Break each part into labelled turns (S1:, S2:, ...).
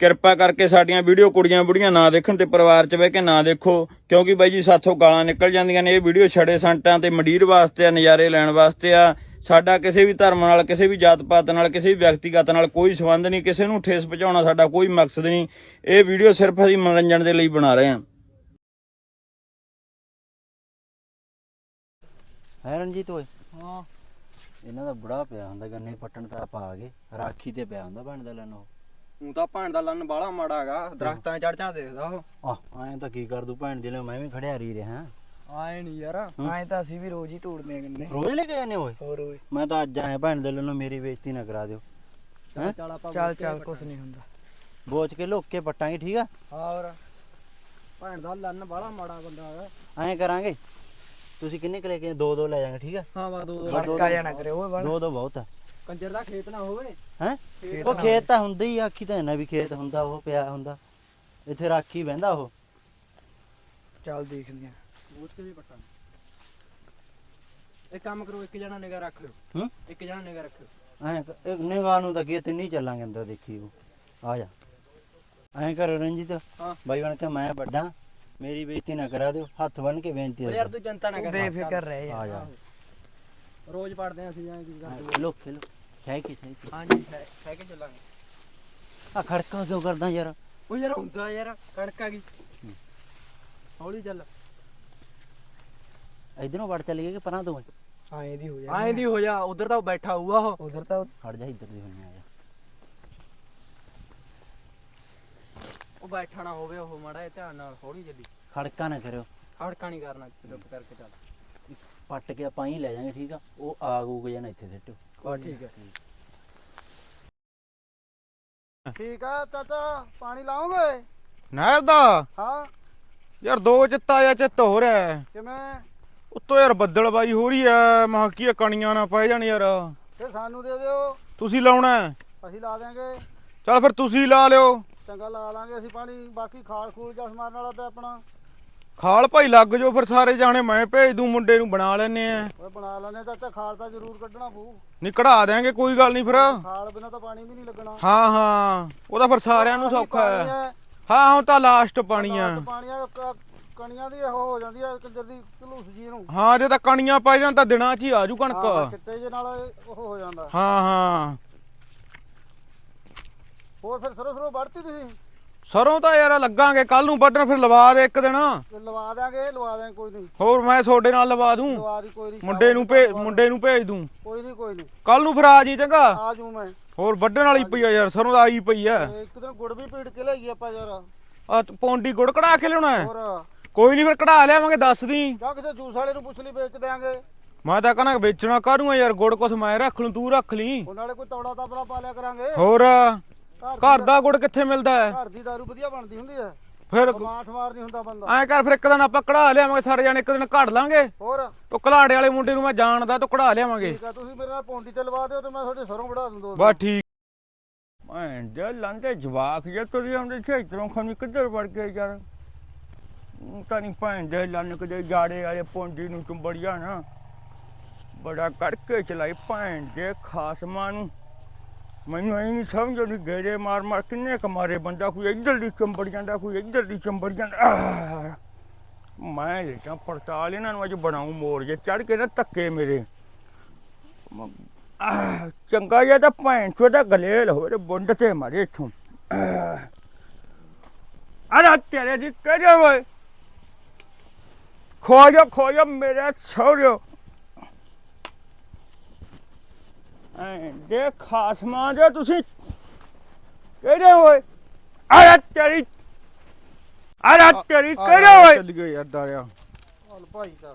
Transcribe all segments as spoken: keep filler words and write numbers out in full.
S1: ਕਿਰਪਾ ਕਰਕੇ ਸਾਡੀਆਂ ਵੀਡੀਓ ਕੁੜੀਆਂ ਬੁੜੀਆਂ ਨਾ ਦੇਖਣ ਤੇ ਪਰਿਵਾਰ 'ਚ ਬਹਿ ਕੇ ਨਾ ਦੇਖੋ, ਕਿਉਂਕਿ ਬਾਈ ਜੀ ਸਾਥੋਂ ਗਾਲਾਂ ਨਿਕਲ ਜਾਂਦੀਆਂ ਨੇ। ਇਹ ਵੀਡੀਓ ਛੜੇ ਸੰਟਾਂ ਤੇ ਮੰਡੀਰ ਵਾਸਤੇ ਆ, ਨਜ਼ਾਰੇ ਲੈਣ ਵਾਸਤੇ ਆ। ਸਾਡਾ ਕਿਸੇ ਵੀ ਧਰਮ ਨਾਲ, ਕਿਸੇ ਵੀ ਜਾਤ ਪਾਤ ਨਾਲ, ਕਿਸੇ ਵੀ ਵਿਅਕਤੀਗਤ ਨਾਲ ਕੋਈ ਸੰਬੰਧ ਨਹੀਂ। ਕਿਸੇ ਨੂੰ ਠੇਸ ਪਹੁੰਚਾਉਣਾ ਸਾਡਾ ਕੋਈ ਮਕਸਦ ਨਹੀਂ। ਇਹ ਵੀਡੀਓ ਸਿਰਫ ਅਸੀਂ ਮਨੋਰੰਜਨ ਦੇ ਲਈ ਬਣਾ ਰਹੇ ਹਾਂ।
S2: ਹੈ ਰਣਜੀਤ ਓਏ, ਹਾਂ ਇਹਨਾਂ ਦਾ ਬੁੜਾ ਪਿਆ ਹੁੰਦਾ ਗੰਨੇ ਪੱਟਣ ਤਾਂ ਆਪਾਂ ਆ ਗਏ, ਰਾਖੀ ਤੇ ਪਿਆ ਹੁੰਦਾ ਭੈਣ ਦਾ ਲੰਨ। ਉਹ
S3: ਹੁਣ ਤਾਂ ਭੈਣ ਦਾ ਲੰਨ ਬਾਹਲਾ ਮਾੜਾ ਹੈਗਾ, ਦਰਖਤਾਂ ਚੜ ਚੜ ਦੇਖਦਾ ਉਹ।
S2: ਆਹ ਐਂ ਤਾਂ ਕੀ ਕਰ ਦੂ ਭੈਣ ਜਿਲੇ ਮੈਂ ਵੀ ਖੜਿਆ ਰਹੀ ਰਿਹਾ।
S3: ਆਏ ਨਹੀਂ ਯਾਰ,
S4: ਐਂ ਤਾਂ ਅਸੀਂ ਵੀ ਰੋਜ਼ ਹੀ ਤੋੜਦੇ ਆ ਗੰਨੇ।
S2: ਰੋਜ਼ ਲੈ ਕੇ ਜਾਂਦੇ ਓਏ?
S4: ਹੋਰ ਓਏ,
S2: ਮੈਂ ਤਾਂ ਅੱਜ ਆਇਆ ਭੈਣ ਦੇ ਲੰਨੋਂ, ਮੇਰੀ ਬੇਇੱਜ਼ਤੀ ਨਾ ਕਰਾ ਦਿਓ।
S3: ਚੱਲ ਚੱਲ ਆਪਾਂ
S4: ਚੱਲ ਚੱਲ ਕੁਛ ਨਹੀਂ ਹੁੰਦਾ,
S2: ਬੋਚ ਕੇ ਲੁੱਕ ਕੇ ਪੱਟਾਂਗੇ, ਠੀਕ ਆ?
S3: ਹੋਰ ਭੈਣ ਦਾ ਲੰਨ ਬਾਹਲਾ ਮਾੜਾ ਬੰਦਾ ਹੈਗਾ।
S2: ਐਂ ਕਰਾਂਗੇ, ਤੁਸੀਂ ਕਿੰਨੇ ਕੁ ਲੈ ਕੇ? ਦੋ ਦੋ ਲੈ ਜਾਾਂਗੇ, ਠੀਕ ਆ?
S3: ਹਾਂ ਵਾ ਦੋ ਦੋ
S4: ਖੜਕਾ ਜਾਣਾ ਕਰੇ ਓਏ ਬਣ।
S2: ਦੋ ਦੋ ਬਹੁਤ ਆ।
S3: ਕੰਜਰ ਦਾ ਖੇਤ ਨਾ ਹੋਵੇ
S2: ਹੈ ਉਹ ਖੇਤ ਤਾਂ ਹੁੰਦਾ ਹੀ, ਆਖੀ ਤਾਂ ਇਹਨਾਂ ਵੀ ਖੇਤ ਹੁੰਦਾ, ਉਹ ਪਿਆ ਹੁੰਦਾ ਇੱਥੇ, ਰਾਖੀ ਬਹਿੰਦਾ ਉਹ।
S4: ਚੱਲ ਦੇਖਦੇ ਆ,
S3: ਬੋਝ ਕੇ ਵੀ ਪੱਟਾਂ। ਇੱਕ ਕੰਮ ਕਰੋ, ਇੱਕ ਜਣਾ ਨਿਗਾ ਰੱਖ ਲਿਓ।
S2: ਹੂੰ,
S3: ਇੱਕ ਜਣਾ ਨਿਗਾ ਰੱਖਿਓ।
S2: ਐਂ ਇੱਕ ਨਿਗਾਹ ਨੂੰ ਤਾਂ ਕੀ ਤਿੰਨ ਹੀ ਚੱਲਾਂਗੇ ਅੰਦਰ, ਦੇਖੀ ਉਹ ਆ ਜਾ। ਐਂ ਕਰੋ ਰਣਜੀਤ,
S3: ਹਾਂ
S2: ਬਾਈ ਬਣ ਕੇ ਮੈਂ ਵੱਡਾ, ਮੇਰੀ ਬੇਇੱਜ਼ਤੀ ਨਾ ਕਰਾ ਦਿਓ, ਹੱਥ ਬੰਨ ਕੇ ਬੇਨਤੀ
S3: ਯਾਰ ਤੂੰ ਜਨਤਾ ਨਾ
S4: ਤੂੰ
S3: ਕਰ,
S4: ਬੇਫਿਕਰ ਰਹਿ
S2: ਆ
S4: ਯਾਰ।
S2: ਜਾ।
S3: ਰੋਜ਼ ਪੜਦੇ ਆਂ ਅਸੀਂ, ਐਂ ਕੀ ਕਰਦੇ?
S2: ਖੇਲੋ ਖੇਲੋ, ਹੈ ਕੀ ਹੈ ਕੀ?
S3: ਹਾਂਜੀ ਕਹਿ ਕੇ ਚੱਲਾਂਗੇ।
S2: ਆ ਖੜਕਾ ਕਿਉਂ ਕਰਦਾ ਯਾਰ?
S3: ਉਹ ਯਾਰ ਹੁੰਦਾ ਯਾਰ, ਕਣਕ ਆ ਗਈ, ਹੌਲੀ ਚੱਲ।
S2: ਇਧਰੋਂ ਵੜ ਚੱਲ ਗਏ ਕਿ ਪਰਾਂ ਤੋਂ?
S4: ਐਂ ਦੀ ਹੋ ਜਾ,
S3: ਐਂ ਦੀ ਹੋ ਜਾ, ਉਧਰ ਤਾਂ ਬੈਠਾ ਹੋਊਗਾ ਉਹ।
S4: ਉਧਰ ਤਾਂ
S2: ਖੜ ਜਾ, ਇੱਧਰ ਦੀ ਹੋਣੀ ਆ ਜਾ।
S3: ਉਹ ਬੈਠਾ ਨਾ ਹੋਵੇ, ਉਹ ਮਾੜਾ ਜਿਹਾ ਧਿਆਨ ਨਾਲ ਹੌਲੀ ਚੱਲੀ,
S2: ਖੜਕਾ ਨਾ ਕਰਿਓ,
S3: ਖੜਕਾ ਨਹੀਂ ਕਰਨਾ, ਚੁੱਪ ਕਰਕੇ ਚੱਲ।
S2: ਪੱਟ ਕੇ ਆਪਾਂ ਹੀ ਲੈ ਜਾਾਂਗੇ, ਠੀਕ ਆ? ਉਹ ਆ ਗੂਗ ਜਾਣਾ ਇੱਥੇ ਸਿੱਟੋ।
S3: ਬਸ ਠੀਕ ਹੈ।
S4: ਠੀਕ ਆ ਚਾਚਾ, ਪਾਣੀ ਲਾਓਗੇ?
S5: ਨਹਿਰ ਦਾ
S4: ਹਾਂ
S5: ਯਾਰ ਦੋ ਚਿੱਤਾ ਜਾਂ ਚਿੱਤ ਹੋ ਰਿਹਾ।
S4: ਕਿਵੇਂ?
S5: ਉੱਤੋਂ ਯਾਰ ਬੱਦਲਬਾਈ ਹੋ ਰਹੀ ਐ, ਮਹਾਂ ਕੀ ਆ, ਕਣੀਆਂ ਨਾ ਪੈ ਜਾਣ ਯਾਰ।
S4: ਫਿਰ ਸਾਨੂੰ ਦੇ ਦਿਓ,
S5: ਤੁਸੀਂ ਲਾਉਣਾ ਹੈ?
S4: ਅਸੀਂ ਲਾ ਦਿਆਂਗੇ।
S5: ਚੱਲ ਫਿਰ ਤੁਸੀਂ ਲਾ ਲਿਓ।
S4: ਚੰਗਾ ਲਾ ਲਾਂਗੇ ਅਸੀਂ ਪਾਣੀ, ਬਾਕੀ ਖਾਲ ਖੂਲ ਜਾਂ ਸਮਾਰਨ ਵਾਲਾ ਪਿਆ ਆਪਣਾ।
S5: ਖਾਲ ਭਾਈ ਲੱਗ ਜਾਓ ਫਿਰ ਸਾਰੇ ਜਾਣੇ, ਮੈਂ ਭੇਜ ਦੂੰ ਮੁੰਡੇ ਨੂੰ, ਬਣਾ ਲੈਨੇ ਆ।
S4: ਓਏ ਬਣਾ ਲੈਣੇ ਚਾਚਾ, ਖਾਲ ਤਾਂ ਜ਼ਰੂਰ ਕੱਢਣਾ ਪਊ।
S5: ਨਹੀਂ ਕਢਾ ਦਿਆਂਗੇ, ਕੋਈ ਗੱਲ ਨਹੀਂ ਫਿਰ।
S4: ਖਾਲ ਬਿਨਾਂ ਤਾਂ ਪਾਣੀ ਵੀ ਨਹੀਂ ਲੱਗਣਾ।
S5: ਹਾਂ ਹਾਂ, ਉਹਦਾ ਫਿਰ ਸਾਰਿਆਂ ਨੂੰ ਸੌਖਾ ਹੈ। ਹਾਂ ਹੁਣ ਤਾਂ ਲਾਸਟ ਪਾਣੀ ਆ।
S4: ਪਾਣੀ ਆ, ਕ- ਕਣੀਆਂ ਦੀ ਉਹ ਹੋ ਜਾਂਦੀ ਆ ਕੰਜਰ ਦੀ ਘਲੂਸ ਜੀ ਨੂੰ।
S5: ਹਾਂ ਜੇ ਤਾਂ ਕਣੀਆਂ ਪੈ ਜਾਣ ਤਾਂ ਦਿਨਾਂ 'ਚ ਹੀ ਆਜੂ
S4: ਹਾਂ,
S5: ਕਣਕ।
S4: ਚਿੱਟੇ ਜੇ ਨਾਲ ਉਹ ਹੋ ਜਾਂਦਾ।
S5: ਹਾਂ ਹਾਂ,
S4: ਹੋਰ ਫਿਰ ਸਰੋਂ ਸਰੋਂ ਵੜਤੀ ਤੁਸੀਂ?
S5: ਸਰੋਂ ਤਾਂ ਯਾਰ ਲੱਗਾਂਗੇ ਕੱਲ ਨੂੰ ਵੱਢਣ, ਫਿਰ ਲਵਾ ਦੇ ਇੱਕ ਦਿਨ।
S4: ਤੇ ਲਵਾ ਦਿਆਂਗੇ, ਲਵਾ ਦਿਆਂਗੇ, ਕੋਈ ਨਹੀਂ।
S5: ਹੋਰ ਮੈਂ ਤੁਹਾਡੇ ਨਾਲ ਲਵਾ ਦੂੰ,
S4: ਲਵਾ ਦੀ ਕੋਈ ਨਹੀਂ।
S5: ਮੁੰਡੇ ਨੂੰ ਭੇਜ ਮੁੰਡੇ ਨੂੰ ਭੇਜ ਦੂੰ।
S4: ਕੋਈ ਨਹੀਂ ਕੋਈ ਨਹੀਂ,
S5: ਕੱਲ ਨੂੰ ਫਿਰ ਆ ਜੀ, ਚੰਗਾ?
S4: ਆ ਜੂ ਮੈਂ।
S5: ਹੋਰ ਵੱਢਣ ਵਾਲੀ ਪਈ ਆ ਯਾਰ, ਸਰੋਂ ਦਾ ਆਈ ਪਈ ਆ।
S4: ਤੇ ਇੱਕ ਦਿਨ ਗੁੜ ਵੀ ਪੀੜ ਕੇ ਲਿਆਈਏ ਆਪਾਂ ਯਾਰ।
S5: ਆ ਪੌਂਡੀ ਗੁੜ ਕਢਾ ਕੇ ਲਿਆਉਣਾ ਹੈ?
S4: ਹੋਰ
S5: ਕੋਈ ਨਹੀਂ ਫਿਰ ਕਢਾ ਲਿਆਵਾਂਗੇ, ਦੱਸ ਦੀ।
S4: ਜਾਂ ਕਿਸੇ ਜੂਸ ਵਾਲੇ ਨੂੰ ਪੁੱਛ ਲਈ, ਵੇਚ ਦਿਆਂਗੇ।
S5: ਮੈਂ ਤਾਂ ਕਹਿੰਦਾ ਵੇਚਣਾ ਕਾਹਨੂੰ ਯਾਰ, ਗੁੜ ਕੁਛ ਮੈਂ ਰੱਖ ਲੂੰ, ਤੂੰ ਰੱਖ ਲਈ।
S4: ਉਹ ਨਾਲੇ ਕੋਈ ਤੌੜਾ ਤਾਪਲਾ ਪਾ ਲਿਆ ਕਰਾਂਗੇ।
S5: ਹੋਰ
S4: ਘਰ
S5: ਘਰ
S4: ਦੀ-
S5: ਦਾ ਗੁੜ ਕਿੱਥੇ ਮਿਲਦਾ ਹੈ?
S4: ਘਰ ਦੀ ਦਾਰੂ ਵਧੀਆ ਬਣਦੀ ਹੁੰਦੀ ਹੈ,
S5: ਫਿਰ
S4: ਮਾਠ ਮਾਰ ਨਹੀਂ ਹੁੰਦਾ ਬੰਦਾ।
S5: ਐਂ ਕਰ, ਫਿਰ ਇੱਕ ਦਿਨ ਆਪਾਂ ਕਢਾ ਲਿਆਵਾਂਗੇ ਸਾਰੇ ਜਾਣੇ, ਇੱਕ ਦਿਨ ਘੜ ਲਾਂਗੇ।
S4: ਹੋਰ
S5: ਉਹ ਘਲਾੜੇ ਵਾਲੇ ਮੁੰਡੇ ਨੂੰ ਮੈਂ ਜਾਣਦਾ, ਤੂੰ ਕਢਾ ਲਿਆਵਾਂਗੇ।
S4: ਠੀਕ ਆ, ਤੁਸੀਂ ਮੇਰੇ ਨਾਲ ਪੌਂਡੀ ਤੇ ਲਵਾ ਦਿਓ ਤੇ ਮੈਂ ਤੁਹਾਡੇ ਸਰੋਂ ਵੜਾ ਦੂੰ ਦੋ।
S5: ਬਸ ਠੀਕ। ਭੈਣ ਦੇ ਲੰਦੇ ਜਵਾਕ ਜੇ ਤੁਰੇ ਆਉਂਦੇ ਸੀ ਇਧਰੋਂ, ਖਮੀ ਕਿੱਧਰ ਵੜ ਗਏ ਯਾਰ। ਤਾਂ ਨਹੀਂ ਭੈਣ ਦੇ ਲੰਨ ਕਿਤੇ ਜਾੜੇ ਵਾਲੇ ਪੌਂਡੀ ਨੂੰ ਚੁੰਬੜਿਆ ਨਾ, ਬੜਾ ਕਰਕੇ ਚਲਾਈ ਭੈਣ ਦੇ ਖਾਸਮਾਂ ਨੂੰ। ਮੈਨੂੰ ਇਹ ਨਹੀਂ ਸਮਝ ਆਉਂਦੀ, ਗੇੜੇ ਮਾਰ ਮਾਰ ਕਿੰਨੇ ਕੁ ਮਾਰੇ ਬੰਦਾ, ਕੋਈ ਇੱਧਰ ਦੀ ਚੰਬੜ ਜਾਂਦਾ, ਕੋਈ ਇੱਧਰ ਦੀ ਚੰਬੜ ਜਾਂਦਾ। ਮੈਂ ਲੇਟਾਂ ਪੜਤਾਲ ਇਹਨਾਂ ਨੂੰ ਅੱਜ ਬਣਾਉਂ ਮੋੜ ਜੇ ਚੜ ਕੇ ਨਾ ਧੱਕੇ ਮੇਰੇ। ਆਹ, ਚੰਗਾ ਜਿਹਾ ਤਾਂ ਭੈਣ ਚੋਦਾ ਗਲੇਲ ਹੋਵੇ ਤੇ ਬੁੰਡ ਤੇ ਮਾਰੇ ਇੱਥੋਂ। ਅਰੇ ਤੇਰੇ ਦੀ ਕਿਹੜੇ ਓਏ, ਖੋ ਜਾ ਖੋ ਜਾ ਮੇਰੇ ਸਹੁਰਿਓ। ਦੇ ਖਾਸਮਾਂ ਦੇ ਤੁਸੀਂ ਕਿਹੜੇ ਹੋਏ? ਅਰੇ ਤੇਰੀ ਅਰੇ ਤੇਰੀ ਕਿਹੜੇ ਹੋਏ? ਚੱਲ ਗਏ ਯਾਰ ਦਾਰਿਆ।
S4: ਚੱਲ ਭਾਈ ਚੱਲ।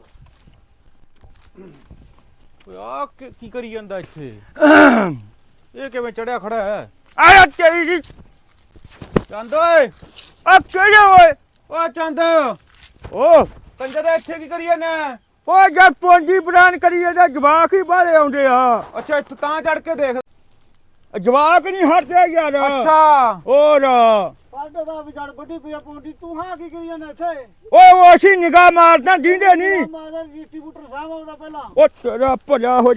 S5: ਓਏ ਆ ਕੀ ਕਰੀ ਜਾਂਦਾ ਇੱਥੇ? ਇਹ ਕਿਵੇਂ ਚੜਿਆ ਖੜਾ ਹੈ?
S1: ਅਰੇ ਤੇਰੀ ਦੀ
S5: ਚੰਦ ਓਏ,
S1: ਆ ਕਿਹੜੇ ਹੋਏ?
S5: ਓ ਚੰਦ,
S1: ਓ
S5: ਕੰਜਰ ਦਾ ਇੱਥੇ ਕੀ ਕਰੀ ਜਾਂਦਾ?
S1: ਓ ਜਦ ਪੌਂਡੀ ਬਰਾਨ ਕਰੀ ਜਾਂਦਾ, ਜਵਾਕ ਹੀ ਬਾਹਰੇ ਆਉਂਦੇ ਆ।
S5: ਅੱਛਾ ਇੱਥੇ ਤਾਂ ਚੜ ਕੇ ਦੇਖ।
S1: ਜਵਾਕ ਨਹੀਂ ਹਟਦੇ ਯਾਰ।
S5: ਅੱਛਾ
S1: ਹੋਰ
S4: ਸਾਡੇ ਦਾ ਵਿਚਾਰ ਵੱਡੀ ਪਿਆ ਪੌਂਡੀ, ਤੂੰ ਹਾਂ ਕੀ ਕਰੀ ਜਾਂਦਾ ਇੱਥੇ?
S1: ਓ ਅਸੀਂ ਨਿਗਾਹ ਮਾਰਦਾ ਦੀਂਦੇ ਨਹੀਂ।
S4: ਮਾਦਾ ਡਿਸਟ੍ਰੀਬਿਊਟਰ ਸਾਹਿਬ ਆਉਂਦਾ ਪਹਿਲਾਂ।
S1: ਓ ਤੇਰਾ ਭਲਾ ਹੋ ਜੇ,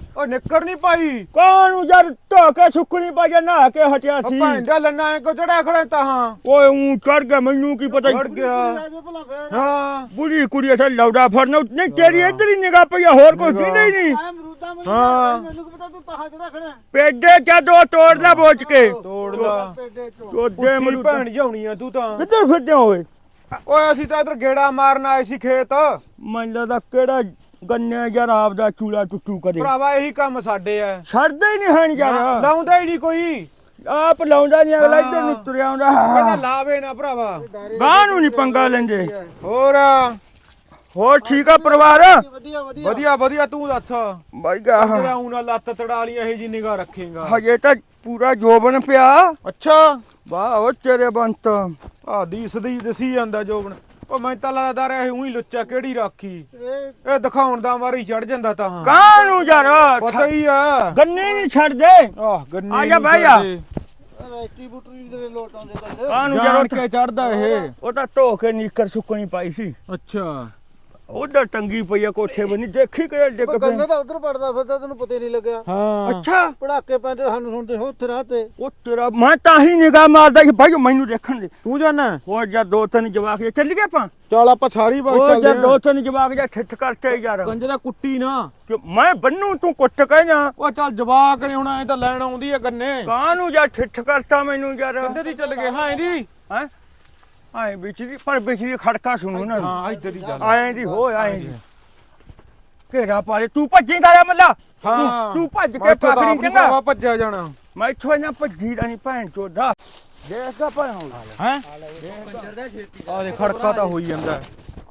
S4: ਉਹ ਨਿੱਕਰ ਨਹੀਂ ਪਾਈ
S5: ਕਾਹਨੂੰ ਯਾਰ ਧੋ ਕੇ ਸੁੱਕਣੀ ਪਾ ਜਾ ਨਹਾ ਕੇ ਹਟਿਆ
S4: ਉਹ
S5: ਸੀ
S4: ਭੈਣ ਦਾ ਲੰਨਾ ਐ ਕੋ ਚੜਾ ਖੜੇ ਤਾਂ ਹਾਂ
S5: ਓਏ ਉਂ ਚੜ ਗਿਆ ਮੈਨੂੰ ਕੀ ਪਤਾ
S4: ਵੜ ਗਿਆ ਹਾਂ
S5: ਬੁੜੀ ਕੁੜੀ ਅਸਾਂ ਲੌੜਾ ਫੜਨਾ ਨਹੀਂ ਤੇਰੀ ਇੱਧਰ ਹੀ ਨਿਗਾਹ ਪਈ ਆ, ਹੋਰ ਕੁਝ ਨਹੀਂ ਨਹੀਂ
S4: ਹਾਂ ਮੈਨੂੰ ਕੀ ਪਤਾ ਤੂੰ ਤਾਹਾ ਚੜਾ ਖੜਾ
S5: ਪੇਡੇ ਚਾ ਦੋ ਤੋੜਦਾ ਬੋਚ ਕੇ
S4: ਤੋੜ ਲਾ
S5: ਚੋਦੇ ਮੈਨੂੰ
S4: ਭੈਣ ਜਾਉਣੀ ਆ ਤੂੰ ਤਾਂ
S5: ਕਿੱਧਰ ਫਿਰਦੇ ਓਏ
S4: ਓਏ ਅਸੀਂ ਤਾਂ ਇਧਰ ਗੇੜਾ ਮਾਰਨ ਆਏ ਸੀ ਖੇਤ
S5: ਮੈਨੂੰ ਲੱਗਦਾ ਕਿਹੜਾ ਗੰਨੇ ਯਾਰ ਆਪਦਾ ਚੂਲਾ ਟੁੱਟੂ ਕਦੇ
S4: ਭਰਾਵਾ ਇਹੀ ਕੰਮ ਸਾਡੇ ਐ
S5: ਛੱਡਦੇ ਹੀ ਨਹੀਂ ਹਨ ਯਾਰ
S4: ਲਾਉਂਦਾ ਹੀ ਨਹੀਂ ਕੋਈ
S5: ਆਪ ਲਾਉਂਦਾ ਨਹੀਂ ਅਗਲਾ ਇੱਧਰ ਨੂੰ ਤੁਰਿਆ ਆਉਂਦਾ
S4: ਕਹਿੰਦਾ ਲਾਵੇ ਨਾ ਭਰਾਵਾ
S5: ਗਾਂ ਨੂੰ ਨਹੀਂ ਪੰਗਾ ਲੈਂਦੇ
S4: ਹੋਰ
S5: ਹੋਰ ਠੀਕ ਆ ਪਰਿਵਾਰ
S4: ਵਧੀਆ ਵਧੀਆ ਵਧੀਆ ਤੂੰ ਦੱਸ
S5: ਬਾਈਗਾ
S4: ਤੇਰਾ ਹੁਣ ਨਾ ਲੱਤ ਤੜਾ ਲਈ ਇਹੀ ਜੀ ਨਿਗਾਹ ਰੱਖੇਗਾ
S5: ਹਜੇ ਤਾਂ ਪੂਰਾ ਜੋਬਨ ਪਿਆ
S4: ਅੱਛਾ
S5: ਵਾਹ ਉਹ ਤੇਰੇ ਬੰਤ
S4: ਆ ਦੀਸਦੀ ਦਸੀ ਜਾਂਦਾ ਜੋਬਨ ਉਹ ਮੈਂ ਤਾਂ ਲੱਗਦਾ ਰਿਹਾ ਇਹ ਉਹੀ ਲੁੱਚਾ ਕਿਹੜੀ ਰਾਖੀ ਇਹ ਦਿਖਾਉਣ ਦਾ ਵਾਰੀ ਚੜ ਜਾਂਦਾ ਤਾਂ ਹਾਂ
S5: ਕਾਂ ਨੂੰ ਯਾਰ
S4: ਪਤਾ ਹੀ ਆ
S5: ਗੰਨੇ ਨਹੀਂ ਛੱਡਦੇ
S4: ਆਹ ਗੰਨੇ
S5: ਆ ਜਾ ਬਹਿ ਜਾ
S4: ਰੈਸਟੀ ਬੁਟਰੀ ਦੇ ਲੋਟ ਆਉਂਦੇ ਕੰਦੇ
S5: ਕਾਂ ਨੂੰ
S4: ਜਾਣ
S5: ਯਾਰ
S4: ਕੇ ਚੜਦਾ ਇਹ
S5: ਉਹ ਤਾਂ ਧੋ ਕੇ ਨੀਕਰ ਸੁੱਕਣੀ ਪਾਈ ਸੀ
S4: ਅੱਛਾ
S5: ਉਧਰ ਟੰਗੀ ਪਈ ਆ ਕੋਠੇ ਬਣੀ ਦੇਖੀ ਕਿ ਡਿੱਗ
S4: ਕੰਨੇ
S5: ਪਈ
S4: ਤਾਂ ਉਧਰ ਪੜਦਾ ਫਿਰਦਾ ਤੈਨੂੰ ਪਤਾ ਹੀ ਨਹੀਂ ਲੱਗਿਆ ਹਾਂ
S5: ਅੱਛਾ
S4: ਪੜਾਕੇ ਪੈਂਦੇ ਸਾਨੂੰ ਸੁਣਦੇ ਹੋ ਉੱਥੇ ਰਾਹ ਤੇ
S5: ਉਹ ਤੇਰਾ ਮੈਂ ਤਾਂ ਹੀ ਨਿਗਾਹ ਮਾਰਦਾ ਕਿ ਭਾਈ ਮੈਨੂੰ ਦੇਖਣ ਦੇ
S4: ਤੂੰ ਜਾਣਾ
S5: ਹੋਰ ਜਦ ਦੋ ਤਿੰਨ ਜਵਾਕ ਜੇ ਚੱਲ ਗਏ ਆਪਾਂ
S4: ਚੱਲ ਆਪਾਂ ਸਾਰੀ ਬਾਤ
S5: ਉਹ
S4: ਚੱਲਦੇ
S5: ਜਦ ਦੋ ਤਿੰਨ ਜਵਾਕ ਜਾਂ ਠਿੱਠ ਕਰਤੇ ਯਾਰ
S4: ਕੰਜੇ ਦਾ ਕੁੱਟੀ ਨਾ
S5: ਕਿ ਮੈਂ ਬੰਨੂ ਤੂੰ ਕੁੱਟ ਕਹਿਣਾ
S4: ਉਹ ਚੱਲ ਜਵਾਕ ਨੇ ਹੁਣ ਐ ਤਾਂ ਲੈਣ ਆਉਂਦੀ ਆ ਗੰਨੇ
S5: ਕਾਹਨੂੰ ਜਾਂ ਠਿੱਠ ਕਰਤਾ ਮੈਨੂੰ ਯਾਰ
S4: ਕੰਦੇ ਦੀ ਚੱਲ ਗਏ ਹਾਂ ਇਹਦੀ
S5: ਹੈ ਆਏ ਵਿੱਚ ਦੀ ਪਰ ਵਿੱਚ ਦੀ ਖੜਕਾ ਸੁਣੂ ਨਾ
S4: ਹਾਂ ਇੱਧਰ ਹੀ ਚੱਲ
S5: ਆਏ ਦੀ ਹੋ ਆਏ ਦੀ ਘੇਰਾ ਪਾ ਦੇ ਤੂੰ ਭੱਜੇਗਾ ਰੇ ਮੱਲਾ
S4: ਹਾਂ
S5: ਤੂੰ ਭੱਜ ਕੇ
S4: ਮੈਂ ਇੱਥੋਂ ਤਾਂ
S5: ਪਾਖੜੀ
S4: ਆਪਣੀ
S5: ਚੰਗਾ
S4: ਭਰਾਵਾ ਭੱਜਿਆ ਜਾਣਾ
S5: ਮੈਂ ਇੱਥੋਂ ਇਹਨਾਂ ਭੱਜੀ ਦਾ ਨਹੀਂ ਭੈਣ ਚੋਦਾ ਦੇਖਦਾ ਭੈਣ
S4: ਹੈ ਆ ਦੇ ਖੜਕਾ ਤਾਂ ਹੋਈ ਜਾਂਦਾ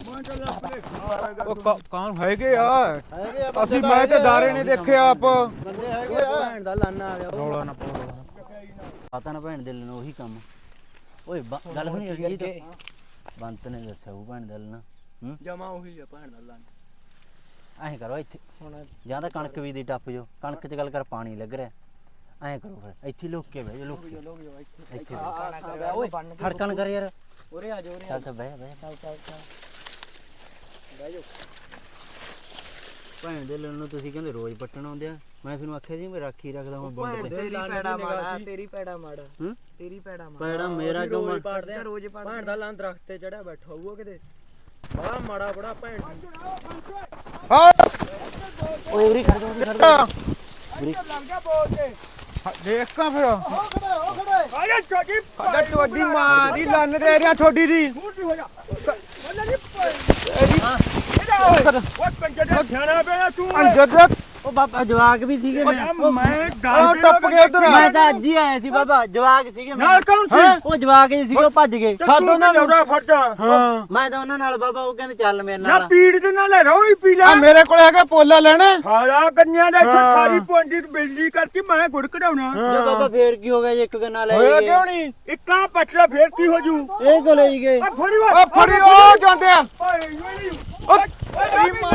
S4: ਉਹ ਕਾਨ ਹੈਗੇ ਆ ਅਸੀਂ ਮੈਂ ਤੇ ਦਾਰੇ ਨੇ ਦੇਖਿਆ ਆਪ ਬੰਦੇ ਹੈਗੇ ਆ
S3: ਭੈਣ ਦਾ ਲਾਨਾ ਆ ਗਿਆ
S4: ਰੌਲਾ ਨਾ ਪਾਓ
S2: ਪਤਾ ਨਾ ਭੈਣ ਦਿਲ ਨੂੰ ਉਹੀ ਕੰਮ ਓਏ ਬ- ਗੱਲ ਸੁਣੀ ਜੀ ਤਾਂ ਬੰਤ ਨੇ ਦੱਸਿਆ ਉਹ ਭੈਣ ਦਿਲ ਨਾ ਹੂੰ
S3: ਜਮਾ ਉਹੀ ਆ ਭੈਣ ਦਾ ਲਾਨਾ
S2: ਐਂ ਕਰੋ ਇੱਥੇ ਜਾਂ ਤਾਂ ਕਣਕ ਵੀ ਦੀ ਟੱਪ ਜੋ ਕਣਕ 'ਚ ਗੱਲ ਕਰ ਪਾਣੀ ਲੱਗ ਰਿਹਾ ਐਂ ਕਰੋ ਫਿਰ ਇੱਥੇ ਲੁੱਕ ਕੇ ਬਹਿ ਜਾ ਲੁੱਕ ਕੇ ਇੱਥੇ ਬਹਿ। ਓਏ ਖੜਕਣ ਕਰ ਯਾਰ
S3: ਉਰੇ ਆ ਜਾ ਉਰੇ
S2: ਚੱਲ ਤਾਂ ਬਹਿ ਬਹਿ ਚੱਲ ਚੱਲ ਚੱਲ
S3: ਬਹਿ ਜਾ
S2: ਭੈਣ ਦੇ ਲਣ ਨੂੰ ਤੁਸੀਂ ਕਹਿੰਦੇ ਰੋਜ਼ ਪੱਟਣ ਆਉਂਦੇ ਆ ਮੈਂ ਤੁਹਾਨੂੰ ਆਖਿਆ ਸੀ ਮੈਂ ਰਾਖੀ ਰੱਖਦਾ ਮੈਂ ਬੰਦ ਤੇ
S3: ਤੇਰੀ ਪੈੜਾ ਮਾੜਾ ਤੇਰੀ ਪੈੜਾ ਮਾੜਾ
S2: ਹੂੰ
S3: ਤੇਰੀ ਪੈੜਾ ਮਾੜਾ
S2: ਪੈੜਾ ਮੇਰਾ ਕਿਉਂ
S3: ਰੋਜ਼ ਪੜਦੇ ਆ ਰੋਜ਼ ਪੜਦੇ ਭੈਣ ਦਾ ਲਾਂ ਦਰਖਤ ਤੇ ਚੜਿਆ ਬੈਠਾ ਹੋਊਗਾ ਕਿਤੇ ਬੜਾ ਮਾੜਾ ਬੜਾ ਭੈਣ
S4: ਹਾਂ
S2: ਓਏ ਉਰੀ ਖੜ ਜਾ ਉਰੀ ਖੜ ਜਾ
S5: ਲੱਗ ਗਿਆ ਬੋਲ ਤੇ
S4: ਦੇਖ ਕਾ ਫਿਰ
S5: ਆ ਜਾ ਛੋਟੀ
S4: ਸਾਡਾ ਤੁਹਾਡੀ ਮਾਂ ਦੀ ਲੰਨ ਦੇ ਰਿਆ ਛੋਡੀ ਦੀ
S5: ਛੋਟੀ ਹੋ ਜਾ ਬੱਲੇ ਨਹੀਂ ਇਹਦਾ ਉਹ ਕੰਜਰ ਦਾ ਸਿਆਣਾ ਪਿਆ ਤੂੰ
S4: ਅੰਜਰ
S2: ਉਹ ਬਾਬਾ ਜਵਾਕ ਵੀ ਸੀਗੇ
S5: ਮੈਂ
S4: ਆ
S5: ਗੱਲ
S4: ਟੱਪ ਕੇ ਉਧਰ
S2: ਮੈਂ ਤਾਂ ਅੱਜ ਹੀ ਆਇਆ ਸੀ ਬਾਬਾ ਜਵਾਕ ਸੀਗੇ
S5: ਨਾਲ
S2: ਮੈਂ
S5: ਕੌਣ ਸੀ
S2: ਉਹ ਜਵਾਕ ਹੀ ਸੀਗੇ ਉਹ ਭੱਜ ਗਏ
S5: ਸਾਦੋਂ ਨਾ ਲੌੜਾ ਫੜਦਾ
S4: ਹਾਂ
S2: ਮੈਂ ਤਾਂ ਉਹਨਾਂ ਨਾਲ ਬਾਬਾ ਉਹ ਕਹਿੰਦੇ ਚੱਲ ਮੇਰੇ
S5: ਨਾ
S2: ਨਾਲ
S5: ਪੀੜ ਦੇ ਨਾਲ ਰੋ ਹੀ ਪੀ
S4: ਆ
S5: ਲੈ
S4: ਮੇਰੇ ਕੋਲ ਹੈਗਾ ਪੋਲਾ ਲੈਣਾ
S5: ਸਾਲਾ ਕੰਨਿਆਂ ਦਾ ਇੱਥੇ
S4: ਹਾਂ।
S5: ਸਾਰੀ ਪੁੰਡੀ ਬਿਜਲੀ ਕਰਤੀ ਮੈਂ ਗੁੜ ਕਢਾਉਣਾ
S2: ਜੇ ਬਾਬਾ ਫੇਰ ਕੀ ਹੋ ਗਿਆ ਜੇ ਇੱਕ ਗੰਨਾ ਲੈ
S4: ਹੋਇਆ
S2: ਗਏ
S4: ਕਿਉਂ ਨਹੀਂ
S5: ਇੱਕਾ ਪਟਲਾ ਫੇਰ ਕੀ ਹੋ ਜੂ
S2: ਇਹ ਕੋ ਲੈ ਗਏ
S5: ਆ ਫੜੀ
S4: ਆ ਫੜੀ ਉਹ ਜਾਂਦੇ ਆ
S5: ਓਏ ਓਏ
S4: ਉਹ
S5: ਓਏ
S4: ਮਾਂ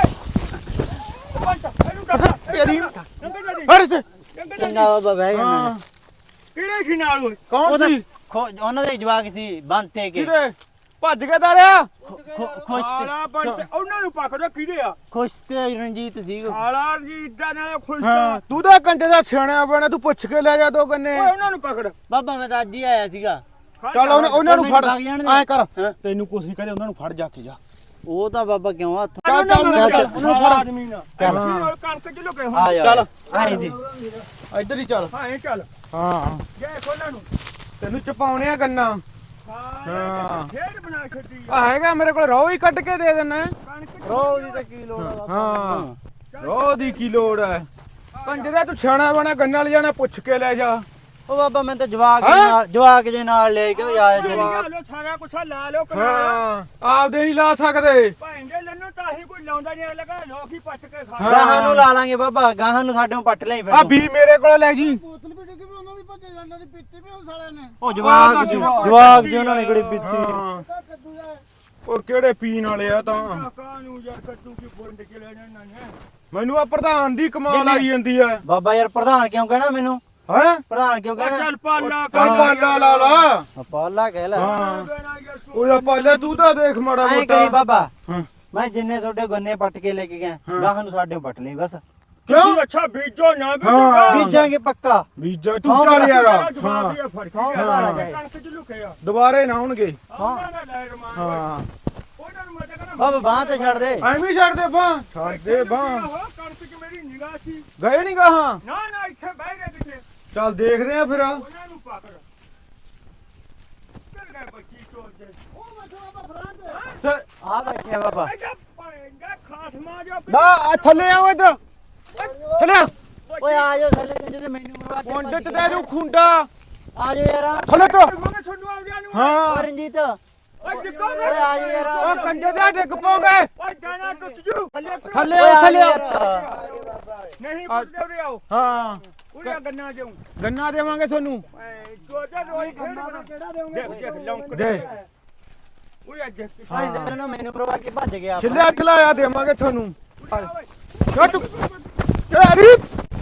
S4: ਤੇਰੀ ਹਰ ਤੇ
S2: ਚੰਗਾ ਬਾਬਾ ਬਹਿ ਗਿਆ
S4: ਹਾਂ
S5: ਕਿਹੜੇ ਸੀ ਨਾਲ ਓਏ
S4: ਕੌਣ ਸੀ
S2: ਉਹਨਾਂ ਦੇ ਜਵਾਕ ਸੀ ਬੰਤੇ ਕੇ
S4: ਕਿਹਦੇ ਭੱਜ ਕੇ ਦਾਰਿਆ
S2: ਖੁਸ਼ ਤੇ
S5: ਸਾਲਾ ਬੰਚ ਉਹਨਾਂ ਨੂੰ ਪਕੜੋ ਕਿਹਦੇ ਆ
S2: ਖੁਸ਼ ਤੇ ਰਣਜੀਤ ਸੀ
S5: ਸਾਲਾ ਜੀ ਇਦਾਂ ਨਾਲੇ ਖੁਸ਼
S4: ਹਾਂ ਤੂੰ ਤਾਂ ਕੰਟੇ ਦਾ ਸਿਆਣਿਆ ਬਣਾ ਤੂੰ ਪੁੱਛ ਕੇ ਲੈ ਜਾ ਦੋ ਗੰਨੇ
S5: ਓਏ ਉਹਨਾਂ ਨੂੰ ਪਕੜ
S2: ਬਾਬਾ ਮੈਂ ਤਾਂ ਅੱਜ ਹੀ ਆਇਆ ਸੀਗਾ
S4: ਚੱਲ ਉਹਨਾਂ ਉਹਨਾਂ ਨੂੰ ਫੜ
S2: ਮੈਨੂੰ ਵਗ ਜਾਣ ਦੇ।
S4: ਐ ਕਰ ਤੈਨੂੰ ਕੁਛ ਨਹੀਂ ਕਹਦੇ ਉਹਨਾਂ ਨੂੰ ਫੜ ਜਾ ਕੇ ਜਾ
S2: ਉਹ ਤਾਂ ਬਾਬਾ ਕਿਉਂ ਹੱਥ
S4: ਚੱਲ ਚੱਲ ਚੱਲ
S5: ਉਹਨੂੰ ਫੜ ਆਦਮੀ ਨਾ
S4: ਹਾਂ।
S5: ਕਣਕ ਚ ਲੁਕੇ
S2: ਆ
S5: ਹੁਣ
S2: ਜਾ
S4: ਚੱਲ।
S2: ਆਈ ਦੀ
S4: ਇੱਧਰ ਹੀ ਚੱਲ
S5: ਹਾਂ ਇਹ ਚੱਲ
S4: ਹਾਂ
S5: ਜੇ ਉਹਨਾਂ ਨੂੰ
S4: ਤੈਨੂੰ ਚਪਾਉਣੇ ਆ ਗੰਨਾ
S5: ਹਾਂ ਖੇਡ ਬਣਾ ਛੱਡੀ
S4: ਆ ਹੈਗਾ ਮੇਰੇ ਕੋਲ ਰੋ ਹੀ ਕੱਢ ਕੇ ਦੇ ਦੇਣਾ
S5: ਕਣਕ
S4: ਰੋ ਦੀ ਤਾਂ ਕੀ ਲੋੜ ਆ ਹਾਂ ਰੋ ਦੀ ਕੀ ਲੋੜ ਹੈ ਕੰਜੇ ਦਾ ਤੂੰ ਸਿਆਣਾ ਬਣਾ ਗੰਨਾ ਲੈ ਜਾਣਾ ਪੁੱਛ ਕੇ ਲੈ ਜਾ
S2: ਉਹ ਬਾਬਾ ਮੈਂ ਤਾਂ ਜਵਾਕ
S4: ਹੈਂ?
S2: ਨਾਲ ਜਵਾਕ ਜੇ ਨਾਲ ਲੈ ਕੇ ਆਇਆ ਜਨੀ
S5: ਲਾ ਲੋ ਸਾਰਾ ਕੁਛ ਲਾ ਲੋ ਕਰਾ
S4: ਹਾਂ ਆਪਦੇ ਨਹੀਂ ਲਾ ਸਕਦੇ
S5: ਭਾਂ ਦੇ ਲੰਨੋ ਤਾਂ ਹੀ ਕੋਈ ਲਾਉਂਦਾ ਨਹੀਂ ਲਗਾ ਲੋਕ ਹੀ ਪੱਟ ਕੇ ਖਾ
S4: ਹਾਂ।
S2: ਗਾਹਾਂ ਨੂੰ ਲਾ ਲਾਂਗੇ ਬਾਬਾ ਗਾਹਾਂ ਨੂੰ ਸਾਡੇ ਨੂੰ ਪੱਟ ਲਈ ਫਿਰ
S4: ਆ ਵੀ ਮੇਰੇ ਕੋਲ ਲੈ ਜੀ
S6: ਬੋਤਲ ਵੀ ਡਿੱਗੀ ਵੀ ਉਹਨਾਂ ਦੀ ਭੱਜੇ ਜਾਂਦਾ ਦੀ ਪੀਤੀ ਵੀ ਉਸ ਵਾਲਿਆਂ ਨੇ
S2: ਉਹ ਜਵਾਕ ਜੀ ਜਵਾਕ ਜੀ ਉਹਨਾਂ ਨੇ ਕਿਹੜੀ ਪੀਤੀ
S4: ਹਾਂ।
S6: ਤਾਂ ਕੱਦੂ ਦਾ
S4: ਉਹ ਕਿਹੜੇ ਪੀਣ ਵਾਲੇ ਆ ਤਾਂ
S5: ਕਾਕਾ ਨੂੰ ਯਾਰ ਕੱਟੂ ਕੀ ਬੁੰਡ ਕੇ ਲੈਣਾ ਇਹਨਾਂ ਨੇ
S4: ਮੈਨੂੰ ਆ ਪ੍ਰਧਾਨ ਦੀ ਕਮਾਲ ਆਈ ਜਾਂਦੀ ਹੈ
S2: ਬਾਬਾ ਯਾਰ ਪ੍ਰਧਾਨ ਕਿਉਂ ਕਹਿਣਾ ਮੈਨੂੰ
S4: ਹੈ
S2: ਪ੍ਰਧਾਨ ਕਿਉਂ ਕਹਿਣਾ
S5: ਚੱਲ ਪਾਲਾ
S4: ਚੱਲ ਪਾਲਾ ਲਾ ਲਾ
S2: ਪਾਲਾ ਕਹਿ ਲੈ
S4: ਹਾਂ ਉਹ ਪਾਲਾ ਤੂੰ ਤਾਂ ਦੇਖ ਮਾੜਾ
S2: ਐਂ
S4: ਮੋਟਾ
S2: ਕਰੀ ਬਾਬਾ
S4: ਹਾਂ।
S2: ਮੈਂ ਜਿੰਨੇ ਤੁਹਾਡੇ ਗੰਨੇ ਪੱਟ ਕੇ ਲੈ ਕੇ ਗਿਆ ਗਾਹਾਂ ਨੂੰ ਸਾਡੇ ਪੱਟ ਲਈ ਬਸ
S5: ਤੁਸੀਂ ਅੱਛਾ ਬੀਜੋ ਨਾ
S4: ਹਾਂ।
S5: ਬੀਜੋ
S2: ਬੀਜਾਂਗੇ ਪੱਕਾ
S4: ਬੀਜਾ ਤੂੰ ਚੱਲ ਯਾਰ ਹਾਂ
S2: ਸੌਂ ਮਾਰਾ ਜਾਏ
S5: ਕਣਕ ਚ ਲੁਕਿਆ
S4: ਦੁਬਾਰੇ ਨਾ ਆਉਣਗੇ
S2: ਹਾਂ
S4: ਹਾਂ
S5: ਉਹਨਾਂ ਨੂੰ ਮੈਂ ਤਾਂ ਕਹਿੰਦਾ
S2: ਬਾਬਾ ਬਾਹ ਤੇ ਛੱਡ ਦੇ
S4: ਐਵੇਂ ਹੀ ਛੱਡ ਦੇ ਬਾਂ ਛੱਡ ਦੇ ਬਾਂ
S5: ਕਣਕ ਚ ਮੇਰੀ ਨਿਗਾਹ ਸੀ
S4: ਗਏ ਨਹੀਂ ਗਾਹਾਂ
S5: ਨਾ ਨਾ ਇੱਥੇ ਬਹਿ ਗਏ ਕਿਤੇ
S4: ਚੱਲ ਦੇਖਦੇ ਆ ਫਿਰ
S5: ਉਹਨਾਂ ਨੂੰ ਪਕੜ ਚੱਲ ਗਏ ਬੱਚੀ ਚੋਰ ਦੇ
S6: ਉਹ ਮਸਲਾ ਤਾਂ ਫਰਾਂ ਤੇ
S2: ਆ ਬੈਠੇ ਆ ਬਾਬਾ
S5: ਐਜਾ ਪਾਏਗਾ ਖਾਸ ਮਾ ਜੋ
S4: ਨਾ ਆ ਥੱਲੇ ਆਓ ਇਧਰ ਥੱਲੇ ਆ।
S2: ਓਏ ਆ ਜਾਓ ਥੱਲੇ ਤੇ ਜਿਹਦੇ ਮੈਨੂੰ ਮਰਵਾ ਕੇ
S4: ਮੁੰਡੇ ਤੇ ਤੈਨੂੰ ਖੁੰਡਾ
S2: ਆ ਜਾਓ ਯਾਰ
S4: ਥੱਲੇ ਤੋ
S5: ਮੈਂ ਤੁਹਾਨੂੰ ਆਉਂਦਿਆਂ ਨੂੰ
S4: ਹਾਂ
S2: ਓ ਰਣਜੀਤ
S5: ਓਏ ਡਿੱਗੋ
S2: ਓਏ ਆ ਜਾਓ ਯਾਰ
S4: ਉਹ ਕੰਜੇ ਦਾ ਡਿੱਗ ਪੋਗੇ
S5: ਓਏ ਗਾਣਾ ਟੁੱਟ ਜੂ ਥੱਲੇ ਉਤਰੋ।
S4: ਥੱਲੇ
S2: ਓਏ
S4: ਆਓ
S2: ਆ
S4: ਥੱਲੇ
S2: ਜਾਓ
S4: ਆਓ
S2: ਯਾਰ
S5: ਨਹੀਂ ਪੁੱਛਦੇ ਉਰੇ ਆਓ
S4: ਹਾਂ
S5: ਉਰੇ ਗੰਨਾ ਦੇਉਂ
S4: ਗੰਨਾ ਦੇਵਾਂਗੇ ਤੁਹਾਨੂੰ
S5: ਜੋਜਾ ਰੋਈ ਖੇਡ ਬਣਾ
S6: ਕਿਹੜਾ ਦੇਉਂਗੇ
S5: ਦੇਖ ਦੇਖ ਲੌਂਕ
S4: ਦੇ
S5: ਉਰੇ ਅੱਜ
S2: ਭਾਈ ਦੇ ਨੂੰ ਮੈਨੂੰ ਮਰਵਾ ਕੇ ਭੱਜ ਗਿਆ
S4: ਛਿੱਲੇ ਹੱਥ ਲਾਇਆ ਦੇਵਾਂਗੇ ਤੁਹਾਨੂੰ ਛੱਟ ਤੇਰੀ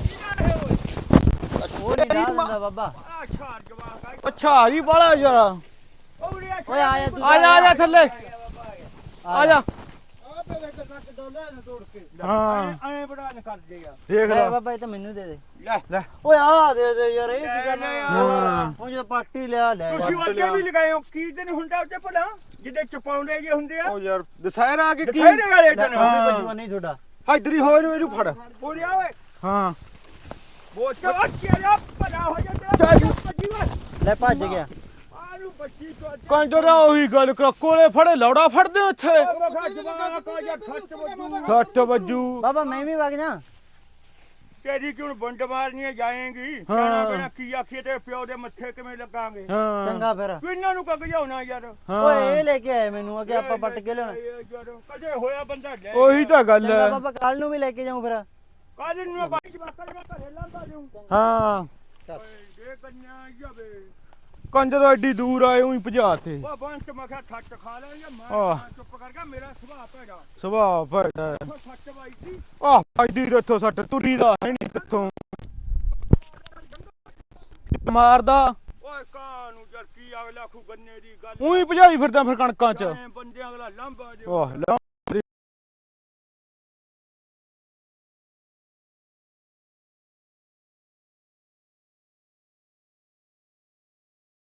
S2: ਉਹ ਨਹੀਂ ਦਾ ਦਿੰਦਾ ਬਾਬਾ
S5: ਆ ਛਾਰ ਜਵਾਕ ਆ
S4: ਅੱਛਾ ਹਰੀ ਬਾਲਾ ਯਾਰ
S5: ਉਰੇ
S2: ਓਏ ਆ ਜਾ ਤੂੰ
S4: ਆ ਜਾ ਆ ਜਾ ਥੱਲੇ ਆ ਜਾ
S6: ਆ ਪੇ ਲੈ ਕੇ ਕੱਟ ਡੋਲਾ ਨੇ ਤੋੜ ਕੇ
S4: ਹਾਂ
S5: ਐ ਬੜਾ ਨ ਕਰ ਦੇਗਾ
S4: ਦੇਖ
S2: ਲੈ
S4: ਲੈ
S2: ਬਾਬਾ ਇਹ ਤਾਂ ਮੈਨੂੰ ਦੇ ਦੇ
S5: ਲੈ
S4: ਲੈ
S2: ਓਏ ਆ ਦੇ ਦੇ ਯਾਰ ਇਹ ਕੀ ਕਰਨਾ
S4: ਹਾਂ।
S2: ਉਹ ਜੇ ਪਾਰਟੀ ਲਿਆ ਲੈ
S5: ਤੁਸੀਂ ਅੱਗੇ ਵੀ ਲਗਾਏ ਹੋ ਕੀ ਦਿਨ ਹੁੰਦਾ ਉੱਤੇ ਭਲਾ ਜਿਹਦੇ ਚਪਾਉਂਦੇ ਜੇ ਹੁੰਦੇ ਆ
S4: ਉਹ ਯਾਰ ਦਸਹਿਰਾ ਕੇ ਕੀ
S5: ਦਿਖਾਈ ਵਾਲੇ ਦਿਨ
S2: ਹਾਂ ਨਹੀਂ ਤੁਹਾਡਾ
S4: ਇਧਰ ਹੀ ਹੋਏ ਨੂੰ ਇਹਨੂੰ ਫੜ
S5: ਉਰੇ ਆ ਓਏ
S4: ਹਾਂ
S5: ਉਹ ਚਾ ਚੇਰਾ ਭਲਾ ਹੋ ਜਾ ਤੇਰਾ ਬੱਜੀ ਵਾ
S2: ਲੈ ਭੱਜ ਗਿਆ
S5: ਆਲੂ ਬੱਚੀ ਤੋਂ
S4: ਕੰਜੋ ਦਾ ਉਹੀ ਗੱਲ ਕਰ ਕੋਲੇ ਫੜੇ ਲੌੜਾ ਫੜਦੇ ਹੋ ਇੱਥੇ
S5: ਮਖਾ ਜਵਾਕ ਆ ਜਾ ਛੱਟ ਬੱਜੂ
S4: ਸੱਟ ਵੱਜੂ
S2: ਬਾਬਾ ਮੈਂ ਵੀ ਵਗ ਜਾ
S5: ਤੇਰੀ ਕਿਉਂ ਬੰਡ ਮਾਰਨੀ ਜਾਏਗੀ
S4: ਹਾਂ।
S5: ਜਾਣਾ ਬਿਨਾ ਕੀ ਆਖੀਏ ਤੇ ਪਿਓ ਦੇ ਮੱਥੇ ਕਿਵੇਂ ਲੱਗਾਂਗੇ
S4: ਹਾਂ
S2: ਚੰਗਾ ਫਿਰ
S5: ਤੂੰ ਇਹਨਾਂ ਨੂੰ ਕੱਗ ਜਾਉਣਾ ਯਾਰ
S2: ਓਏ ਇਹ ਲੈ ਕੇ ਆਏ ਮੈਨੂੰ ਅਗੇ ਆਪਾਂ ਪੱਟ ਕੇ ਲਿਆਉਣਾ
S5: ਯਾਰ, ਕਦੇ ਹੋਇਆ ਬੰਦਾ ਲੈ
S4: ਉਹੀ ਤਾਂ ਗੱਲ
S2: ਚੰਗਾ
S4: ਹੈ
S2: ਬਾਬਾ ਕੱਲ ਨੂੰ ਵੀ ਲੈ ਕੇ ਜਾਉਂ ਫਿਰ
S5: ਕਾਜ ਨੂੰ ਮੈਂ ਬਾਈ ਜਵਾਕਾਂ ਦੇ ਘਰੇ ਲਾਂਦਾ ਜਾਉਂ
S4: ਹਾਂ
S5: ਓਏ ਇਹ ਕੰਨਿਆ ਜਾਵੇ
S4: ਕੰਜ ਤੋਂ ਐਡੀ ਦੂਰ ਆਏ ਉਹੀ ਭਜਾ ਤੇ
S5: ਉਹ ਬੰਤ ਮੈਂ ਕਿਹਾ ਛੱਟ ਖਾ ਲੈ ਜਾਂ ਮੈਂ
S4: ਆਹ।
S5: ਨਾ ਚੁੱਪ ਕਰ ਗਿਆ ਮੇਰਾ ਸੁਭਾਅ ਭੈੜਾ
S4: ਸੁਭਾਅ ਭੈੜਾ
S5: ਉਹ ਛੱਟ ਬਾਈ ਸੀ
S4: ਆਹ ਐਡੀ ਇੱਥੋਂ ਸੱਟ ਤੁਰੀ ਦਾ ਹੈ ਨਹੀਂ ਕਿੱਥੋਂ ਮਾਰਦਾ
S5: ਓਏ ਕਾਂ ਨੂੰ ਜਰ ਕੀ ਅਗਲਾ ਖੂ ਗੰਨੇ ਦੀ ਗੱਲ
S4: ਉਹੀ ਭਜਾਈ ਫਿਰਦਾ ਫਿਰ ਕਣਕਾਂ ਚ
S5: ਐਂ ਬੰਦੇ ਅਗਲਾ ਲੰਬਾ ਜੇ
S4: ਵਾਹ ਲਾ